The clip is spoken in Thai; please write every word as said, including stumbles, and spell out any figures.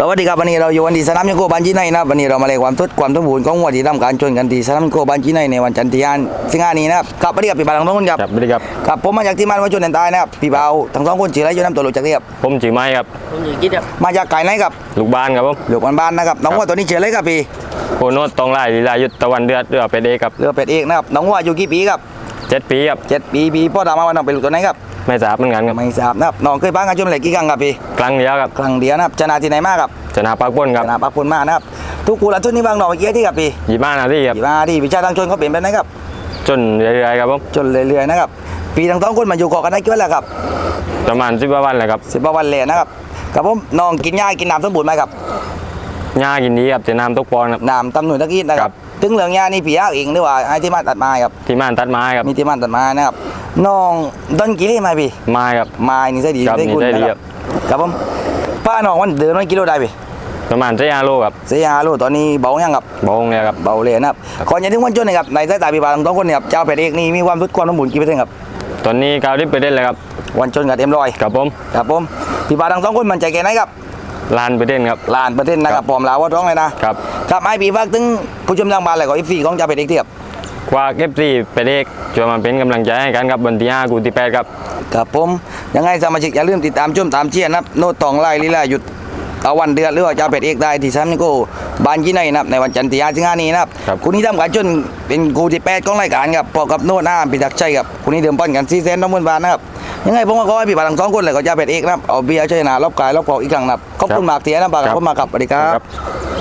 วัสดีครับวันนี้เราอยู่วันที่สนามยังโกบันจีไนนะวันนี้เรามาเลยความทุดความสมบูรณ์ของวัวที่ทำการชนกันที่สนามโกบันจีไนในวันจันทร์ที่ห้าสิงหาคมนี้นะครับครับสวัสดีครับพี่บ่าวทั้งสองคนครับครับสวัสดีครับครับผมมาจากที่มันวัวชนแดนใต้นะครับพี่บ่าวทั้งสองคนชื่ออะไรอยู่น้ำตัวหลุดจากที่ครับผมชื่อไม้ครับผมอยู่คิดครับมาจากไก่ไหนครับลูกบ้านครับผมหลวงบ้านๆนะครับน้องวัวตัวนี้ชื่ออะไรครับพี่โคโนตตองไล่ลีลายุทธตะวันเดือดเรือเป็ดเอกครับเรือเป็ดเอกนะครับน้องวัวอายู่กี่ปีครับเจ็ดปีครับเจ็ดปีพี่พ่อตามมาวันน้องเป็นลูกตัวไหนครับไม่ทราบเหมือนกันครับไม่ทราบนะครับน้องเคยพังกันชนเหล็กกี่ครั้งครับพี่ครั้งเดียวครับครั้งเดียวนะครับชนะที่ไหนมากครับชนะปากป้นคชรับนะปักปุ่นมากนะครับทุกคู่ละทุนนี่บางน้องเมื่อกี้ที่ครับพี่ยี่บ้านนาทีครับกี่มาที่วิชาทางชนเขาเปลี่ยนไปไหนครับจนเรื่อยๆครับผมจนเรื่อยๆนะครับปีทั้งสองคนมาอยู่เกาะกันได้กี่วันแล้วครับประมาณสิบกว่าวันเลยครับสิบกว่าวันเลยนะครับครับผมน้องกินหญ้ากินน้ำสมบูรณ์ไหมครับหญ้ากินดีครับจะน้ำตกปอนครับน้ำตำหนุนตะกี้นะคครัรับบ ถึงเหลืองหญ้านี่พี่ยาเองหรือว่าไอ้ที่มาตัดไม้ครับที่ม่านตัดไม้ครับมีที่มาตัดไม้นะครับน้องดอนกี่เล่ไหมพี่ไม้ครับไม้นี่ใช่ดีครับได้คุณนี่ได้ดีนะครับครับผมป้าน้องวันเดินวันกิโลได้พี่ประมาณสี่ห้าโลครับเสียหาโลตอนนี้เบายังครับบงเลยครับเบาเลยนะครับก่อนจะถึงวันจนนะครับในสายตาพี่บ่าวทั้งสองคนเนี่ยครับเจ้าเป็ดเอกนี่มีความสุดความสมบูรณ์กี่เปอร์เซ็นต์ครับตอนนี้กาวริบไปได้เลยครับวันจนกับเต็มร้อยกับผมครับผมพี่บ่าวทั้งสองคนมั่นใจแค่ไหนครับลานไปเด่นครับล้านเปอร์เซ็นต์นะครับปลอมลาวว่าท้องเลยนะครับครับไอ้พี่ฝากถึงผู้ชมทางบ้านเลยก็อีฟีของเจ้าเป็ดเอกที่ครับกว่าเก็บสี่เป็ดเอกจะมาเป็นกำลังใจให้กันครับวันที่ห้ากูที่แปดครับครับผมยังไงสมาชิกอย่าลืมติดตามชมตามเชียร์นะครับโน้ตตองไล่ลีลาหยุดตะวันเดือดหรือว่าเจ้าเป็ดเอกได้ที่สามนิโก้บานยี่ในนะครับในวันจันทร์ที่ห้าสิงหาคมนี้นะครับครับคู่นี้ทำการจนเป็นคู่ที่แปดของรายการครับพอกับโน้ตหน้าพิทักษ์ชัยครับคู่นี้เดิมป้อนกันสี่แสนน้องมนบาทนะครับยังไงผมก็ขอให้พี่บ่าวทั้งสองคนเลยก็เจ้าเป็ดเอกนะครับเอาเบียร์ชัยนารอบกายรอบกอกอีกครั้งนะครับขอบคุณมากเทียนะบ่าวครับขอบคุณมากครับสวัสดีครับ